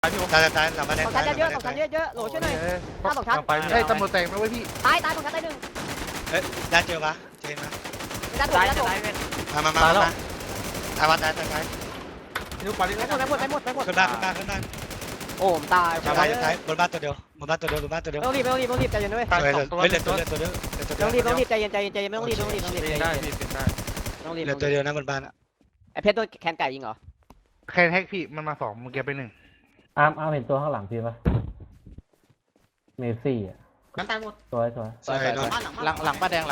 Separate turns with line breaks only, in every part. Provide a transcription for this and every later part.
ตายหลังมาแดง
สองชั้นเยอะๆสองชั้นเยอะๆโหลช่วยหน่อยหน้าสองชั้น
เฮ้ยตำรวจแตกนะเว้ยพี่
ตายสองชั้นตายหนึ่ง
เฮ้ยได้เจอปะเจนนะ
ด้านบนด้านบน
มาตาย
นิ้วปาดิ
ไปหมดขึ้นบ้านโอ้ผมตาย
ชาวบ้านจะตายบนบ้านตัวเดียว
ไม่ต้องรีบใจเย็นด้วย
เฮ้ยเหลือตัวเดียว
ไม่ต้องรีบใจเย็นไม่ต้องรีบใจเย็น
ได้พี่เป็นได้
ต้องรีบ
เหลือตัวเดียวนะบนบ้าน
ไอเพชรโดนแคนไก่ยิงเหรอ
แค่แท็กพี่มันมา2มึงเก็บไป1
อาร์มเห็นตัวข้างหลังพี่ปะเมซี่อ่ะ
มันตายหมด
สวย
ใช่นอน
หลังป้าแดง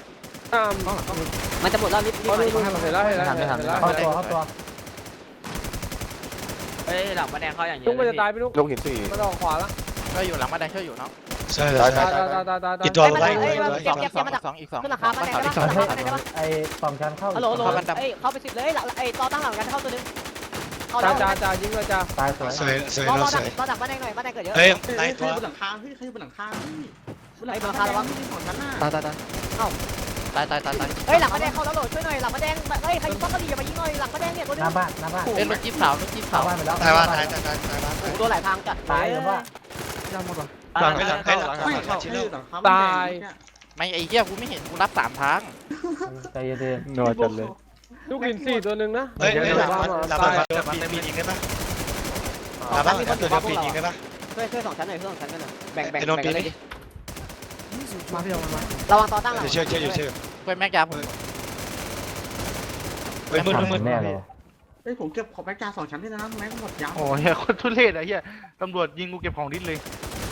มันจะหมดแล้วรีบ
เขาดูให้มันเห็นแล้ว
เข้าตัว
เฮ้ยหลังป้าแดงเขาอย่างเงี้ย
ลุงมันจะตายไปลุง
ลงหินสี่
มันออกขวาแล้ว
ช่วยอยู่หลังป้าแดงช่วยอยู่เนาะ
ใช่
ตาย
อีกตัวไว้
เก็บมาจาก
อีกสอง
ขึ้นราคามาได้ได้ปะ
ไอ้สองชั้นเข้า
ฮัลโหลเอ้ยเข้าไป10เลยไอ้ต่อตั้งหลังกันเข้าตัวนึงเข้าแล้ว
จ่ายิงเลยจ่า
ตายสวย
สวย
รอ
สวย
ดักบ้านแดงหน่อยบ้านแดงเกิดเยอะ
เฮ้ยไล่ตัว
บนหลังคาเฮ้ยใครบนหลังคาบนหลัง
ไอ้บนหลังคาระวัง
ของฉันน่ะ
ตาย
เฮ้ยหลังบ้านแดงเข้าแล้วโหลช่วยหน่อยหลังบ้านแดงเฮ้ยใครยิงป้อมกระดิ่งอย่ามายิงหน่อยหลังบ้านแดงเนี่ยตัวนึ
ห
ง
น้าบ้าน
เป็นรถจิ๊บขาวรถจิ๊บ
เข้า
ขาว
บ้านไปแล้ว
ตายบ้าน
โอ้โดนหลายทางจัด
ตายหรือว่า
ย่าหมดว่ะ
หลังไม่หลัง
ตาย
ไม่ไอ้เหี้ยกูไม่เห็นกูรับ3ทาง
ใจเย็น
นอนจัดเลย
ลูกหิน4ตัวนึงนะ
เฮ้ยหลังมาตัวปียิงได้ปะหลังบ้านตัวเดียวปียิงได้ปะ
ช่วย2ชั้นหน่อยช่วย2ชั้นกันหน่อยแบ่งเลย
มาพี่เอามันมา
ระวังต่อตั้งหลัง
เชื่ออยู่
เพื่อนแม็กยาผม
เฮ้ยมืด
แน่เลย
เฮ้ยผมเก็บของแม็กจา2ชั้นด้วยนะแม็กหมดยาว
โอ้ยคนทุเรศอะเฮียตำรวจยิงกูเก็บของดิ้นเลย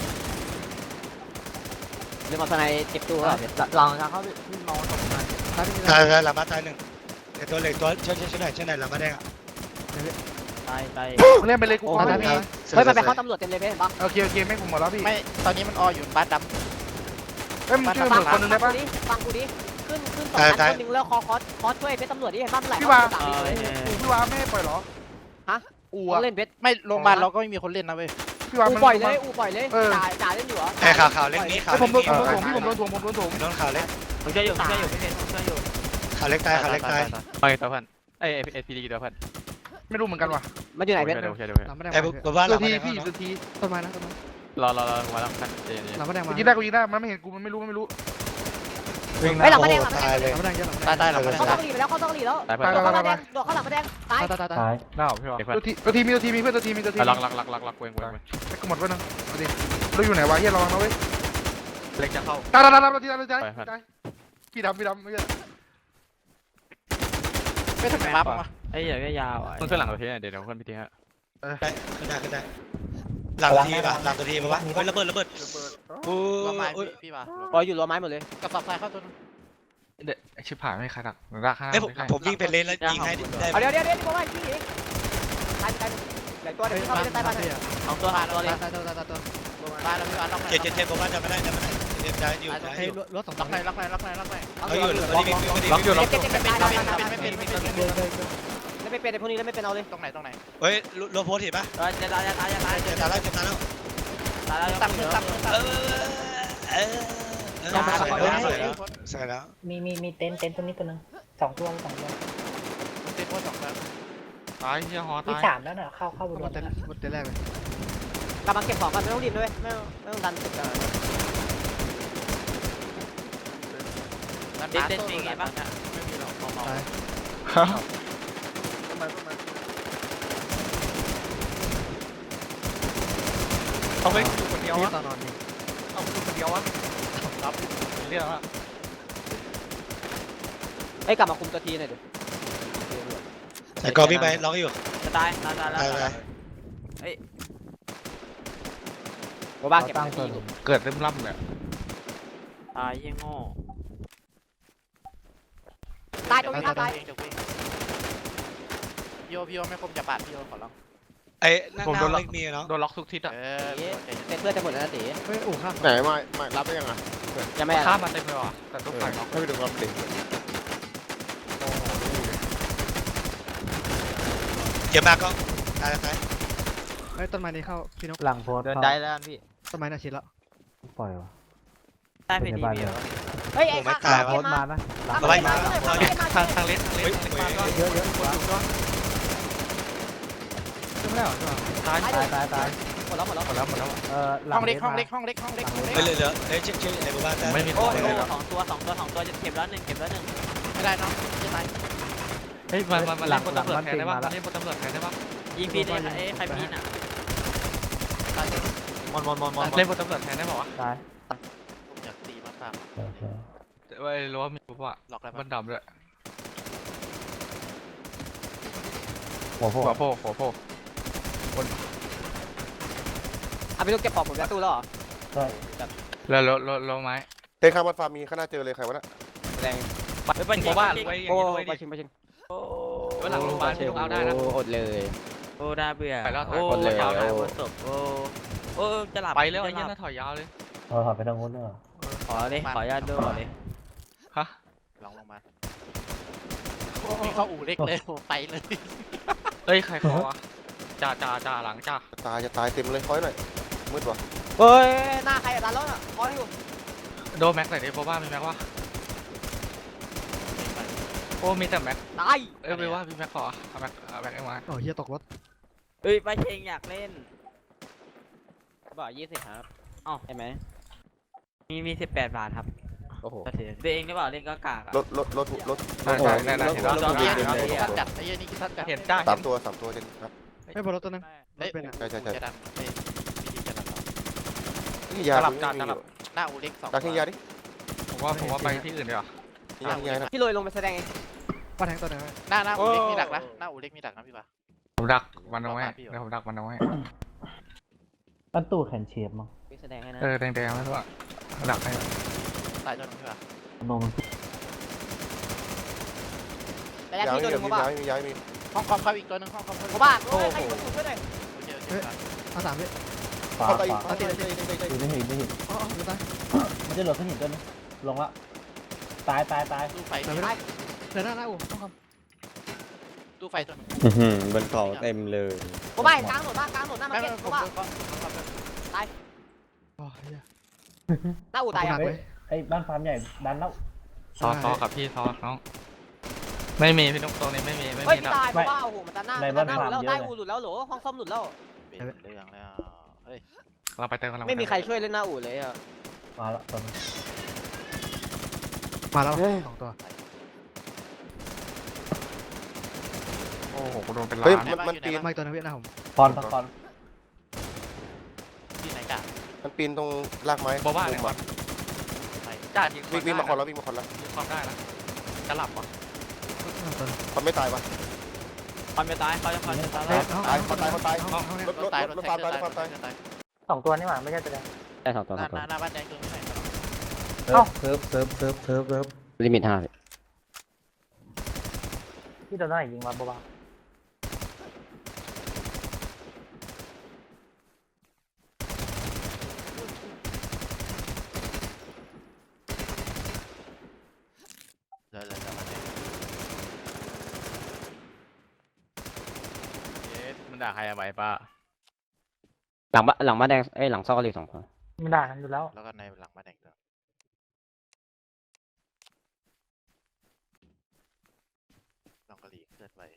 เดี๋ยวมาสไนเก็บตัวลองจะเข้าพี่มองตรงนั้น
ตายหลังบ้านตายหนึ่งเดี๋ยวตัวเล็กตัวช่วยหน่อยหลังบ้านแดงอ่ะ
ตาย
เล่นไปเลยกู
เฮ้ยมันไปเข้าตำรวจเต็มเลยเห็นปะ
โอเคแม่งผมหมดแล้วพี่
ไม่ตอนนี้มันออยู่บ้านด
เฮ้ยมึงช่วยตำรวจคนนึงได้ปะ
ฟังกูดิขึ้น2ชั้นคนนึงแล้วคอช่วยเพชรตำรวจดิเห็นปะมันไหล
พี่วาพี่วาไม่ปล่อยหรออู๋
เล่นเพชร
ำไม่โรงพยาบาลเราก็ไม่มีคนเล่นนะเว้ย
พี่วา
อู
มัน
ปล่อยเลยจ่าเล่นอยู่เหรอ
ไอ้ข่าวเล็กนี้ข่าว
ผมโด
เล็ก
นถ่วงพี่ผมโดนถ่วง
โดนข่าวเล็ก
ผมช่วยอยู่ไม่เห็นผมช่วยอยู่
ข่าวเล็กตาย
ไปตัวเพื่อนเอพีดีตัวเพื่อน
ไม่รู้เหมือนกันว่ะ
มันอยู่ไหนเพชร
เดี๋ยว
ไอ้บนบ้านหลั
ตัว
ง
ที
บ้าน
พี่ตัวทีต้นไม้นะต้นไม้
รอมาแล้วกันเจน
หลังมาแดงมายิงได้กูยิงได้มันไม่เห็นกูมันไม่รู้
วิ่ง
ไม่หลังมาแดง
ตายเลย
หลังมาแดงเยอะหลังมาแดง
ตายหลังมา
เข้าต้องหลีไปแล้วเข้าต้องหลีแล้ว
ตายเพื่อน
โดดเข้ามาแดงโดดเข้าหลังมาแดงตาย
ตาย
น่าพี่วะ
ตัวทีมีเพื่อนตัวทีมี
ลักเวง
กูหมดไว้นะเอาดิเราอยู่ไหนวะเฮียระวังนะเว้ย
เล็กจะเข้า
ตายพี่ดำไม่ใช่
ไม่ทำไมรับมา
ไอ้เหี้ยก็ยาวต้องช่วยหลังตัวทีเดี๋ยวเพื่อนพี่ทีฮะ
ขึ้นได้หลังทีป่ะหลังตัวทีป่ะวะระเบิดโอ้
รวมไม้
ย
พี่มา
ปล่อยอยู่รั้วไม้หมดเลย
กระสอบทรายเข้าตัวนึง
เด็กชิบหายไม่ใครหนักราคา
เอ้ยผมวิ่งเป็นเลนแล้วยิงให้ได้
เอาเดี๋ยวที่บอกว่าที่อีกตายใหญ่ตัวเดี๋ยวเข้าไปใต้บ้าน
เอาตัวหาตัวเลยตายแล้วพี่มาล็อกไหน
เจ็บผมว่าจะไม่ได้เจ็บได้อยู่
รถล็อกไหน
เขาอยู่ไม่ได้
ล็อกอยู่ล็อก
เก็บตายแล้วไม่เป็น
ไม่เป็น
ไอ้พวกนี้แล้วไม่เป็นเอาเลย
ตรงไหน
เฮ้ยโลโพสเห็นปะ
จะตาย
เจ็บตาแล้ว
ตั้ง
ใช่แล้ว
มีเต็นท์ตัวนี้ตัวนึง2 ตัว2 ตัว
เต็มว่า2แล้ว
ตายเฮียฮอ
มี
ตาย
3แล้วเนอะเข้าบน
หมดแต่แรกเลย
กลับมาเก็บของกันไม่ต้องรีบด้วยไม่ต้องดันสุดกัน
เด็ดจริงไงบ้างไม่มีหรอกเมา
เขาไม่อยู่คนเดียว
พี่
วะ
ตอนนอน
เอาอยู่คนเดียววะครับเรียกว่า
ไอ้กลับมาคุมตัวทีหน่อยดิ
แต่ก็วิ่งไปล็อกอยู่
จะตาย
โบบ้าเก็บ
ตั้งตัว
เกิดเริ่มล่ำเลย
ตายยี่โง่
ตายตรงนี้ตาย
พี่โอไม่คมจะปาดพี่โอขอร้อง
ไอ้นั่งเล็กมีเนาะ
โดนล็อกทุกทิศอ่ะ
เป็นเพื่อนจะหมดแล้วนะตี
เฮ้ยอู๋ข้าม
ไหนมารับได้ยังอ่ะ
ยังไม่
ข้ามมันเต็มเลยว่ะแต่ต้องไปล็อก
ให้ไปดูความเด็ก
เจ็บมากก็ตาย
เฮ้ยต้นไม้นี้เข้าพี่นก
หลังโพส
เดินได้แล้วพี่
ต้นไม้น่าชิดแล้ว
ปล่อยวะ
ได้เพดีพี่
เฮ้ยไอ้ข้า
โพสมานะ
ทางเล็กมาก็
เยอะ
ไม่ได้หรอใช่ป่ะ
ตาย
ตาย
หมดแล้ว
หมดแล้วหมดแล้ว
ห้องเล็กห้องเล็กห้องเล็กห้องเล็กห้องเล็ก
เฮ้ยเหลือเฮ้ยเช็คไอ้บ้านได้
ไม่มีข
โอ้
อง
โห
เลยครับ
สองตัวจะเก็บแล้วหนึ่งไม่ได้เนาะใช่ไหม
เฮ้ยมาเล่นบนตำรวจแทนได้ป่ะมาเล่นบนตำรวจแทนได้ป่ะ
ยิงพีได้ใครพีน่ะ
มอน
เล่นบนตำรวจแทนได้ป่ะวะ
ตาย
ผมอยากตีมาก
โอเค
ไอ้รั้วมีปุ๊บอะ
ๆหลอกอะไร
มันดำด้วย
หัวโผล่
หัวโผล่
เอาไปลูกเก็บปอกผมจะตู้แล้วเหรอ
ใช่
แล้วรถไม้
เต้นข้ามวัดฟาร์มมีข้างหน้าเจอเลยใครวะน่ะ
แรง
ไปยิงบ้านไว้
โอ้
อย่างนี้ด้วย
ไปชิงไปชิง
เวลาโรงพยาบาลที่ต้องเอาได้นะ
อดเลย
โอ้น่าเบื่อ
ไปแล้วถอย
โอ้
คนเลย
ยาวบนศพโอ้จะหลับ
ไปแล้วไอ้ยันน่าถอยยาวเลย
เราถอดไปทางนู้นด้วยเหรอ
ขอเลยขอญาตด้วยขอเลย
ฮะ
ลองลงมามีเข้าอู่เล็กเลยไปเลย
เฮ้ยใครเขาวะจ่าหลังจ่า
จะตายเต็มเลยคอยหน่อยมืดว่ะ
เฮ้ยหน้าใครอะร้านรถอ่ะคอยอยู่
โดนแม็กไหนดิโบบ้ามีแม็กวะโอ้มีแต่แม็ก
ตาย
ไม่ว่ามีแม็กขอเอาแม็กไอ้มา
โอ้เฮียตกรถ
เฮ้ยไปเชงอยากเล่นบอก20ครับอ๋อใช่ไหมมี18 บาทครับ
โอ้โห
ตัวเองหรือเปล่าเล่นก็กาก
รถ
ใช่แน่ๆเห็นแล้ว
จอ
เต็
เกีย
ม
ร์
เลย
ท่านจัดไอ้ยี่นี่คือท่านจัด
เห็นจ้า
สามตัวเจนครับ
ไม่บนรถตัวนึงรถเป็นอ่ะ
ใช่
จะดันวิธีจะดัน
นี่ยา
หน้าอูเล็ก
ดักทิ้งยาดิ
ผมว่าไปที่อื่นดีกว่า
ทิ้งยานะ
พี่ลอยลงไปแสดงเอง
ป้าแทงตัวนึง
หน้าอูเล็กมีดักนะหน้าอูเล็กมีดักนะพี่ป่ะ
ผมดักมันเอาไว้เดี๋ยวผมดักมันเอาไว้
ปั้นตู้แขนเฉียบมั้ง
พี่แสดงให้นะ
แดงๆไม่รู้อะดักให้
ตายจนพี่ป่ะ
โนมัน
แต่ยังพี่ตัวนึงผมว่า
มียามี
ห้องคอมเข้าอีกตัวนึงห้องคอม
ผมว่าโอ้ยใครอยู่ช่วยหน่อย
เอาสามวิ
ขวา
เข้าไป
ข
อีก
วาอยู่ในหิน
อ๋ออยู่ใต้
มันจะหลบขึ้นหินตัวนึงลงละตาย
ตู้ไฟ
เดี๋ยวไม่ได้เดี๋ยวหน้าอู่ต้องค
ตู้ไฟตัวนึง
บนเขาเต็มเลย
ผมว่ากลางหนุนหน้ามาเก็ตผมว่า
ำโอ้เฮีย
หน้าอู่ตายอ่ะ
เฮ้ยไอ้บ้านฟาร์มใหญ่ดันแล้ว
ซอกับพี่ซอน้องไม่มีพี่นุ๊กตรงนี้ไม่มี
เฮ้ยพี่ตายเพราะว่าโอ้โหมันตันหน้าแล้วได้อู่หลุดแล้วโหลห้องซ่อมหลุดแล้ว
เรื่องแล้วเฮ้ย
เราไปเติมกัน
ไม่มีใครช่วยเล่นหน้าอู่เลยอ่ะ
มาละตัวนึง
มาแล้วสองตัว
โอ้โหกูโดนเป็น
เฮ้ย
ล้าน
มันปีน
มาอีกตัวนึงพี่หน้าผม
คอนคอน
ที่ไหนกัน
มันปีนตรงรากไม้
บอกว่าเนี่ยจ่ายิง
วิ่งมาคอนแล้ว
ยิงความได้แล้วจะหลับป่ะ
ตัวนึง
คนไม่ตายวะ
คอนไม่ตายเขาจะคอนจะตาย
ตายคนตาย
ห้องนี้
รถฟาร์มตาย
สองตัวนี่หว่าไม่ใช่ตัวเดียว
ได้สองตัว
หน้าบ้านแดงตรงนี้ไหน
เซิร์ฟลิมิต5
ที่โดนได้ยิงมาบ้า
เลยบ้านแดงมันด่าใครเอาไว้ป่ะ
หลังบ้านแดงหลังซอกก็เหลือ2 คน
ไม่ได้กันอยู่แล้ว
แล้วก็ในหลังบ้านแดงลองกะหรี่เคลื่อนไป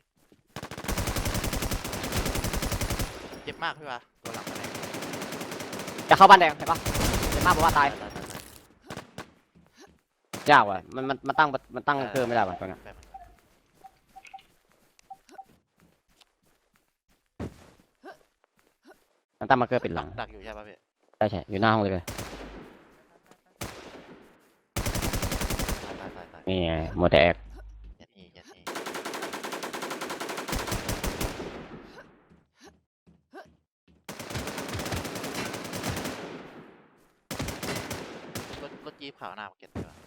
เจ็บมากพี่ป่ะตัวหลังบ้านแดง
จะเข้าบ้านแดงเห็นปะเห็นมากบอกว่าตาย
ยากว่ะมันตั้งเครื่องไม่ได้ว่ะตัวนี้มันตั้งมาเกอร์ปิดหลัง
ดักอยู่ใช่ป่ะพี่
ใช่อยู่หน้าห้องเลย
ตาย
นี่ไงโมเดลแอค
ยัดอีรถจี๊ปขาวหน้ามาเก็ตใช่ป่ะ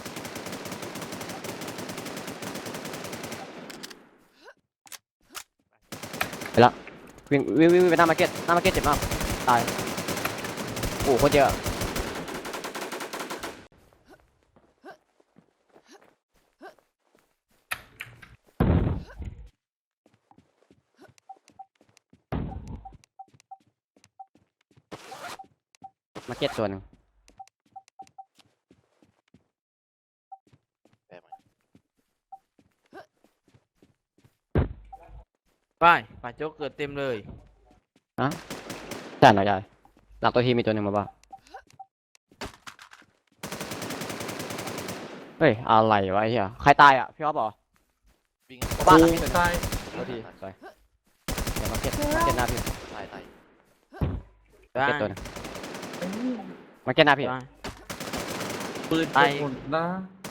วิ่งไปหน้ามาร์เก็ตเจ็บมากตายโอ้โคตรเยอะมาร์เก็ตตัวนึง
ไปป่าโจ๊กเกิดเต็มเลย
ใช่หน่อยใหญ่หลังตัวทีมีตัวหนึ่งมาบ้าเฮ้ยอะไรวะไอ้เหี้ยใครตายอ่ะพี่อ๊อฟเหรอ
วิ่ง
บ้านหลังนี้ตัว
ตาย
ตัวทีสวยเดี๋ยวมาเก็ตหน้าพี่
ตาย
มาเก็ตตัวหนึงมาเก็ตหน้าพี่
ปืน
ตาย
หมดนะ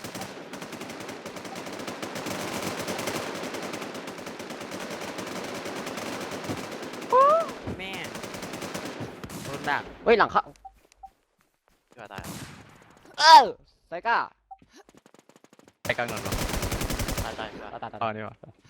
แม่โดนดัก
เฮ้ยหลังเข้า
พี่ว่าตาย
ไซก้า
ไปกลางหน่อยเหรอ
ตายพี่ว่า
ตาย
อ๋อนี่วะ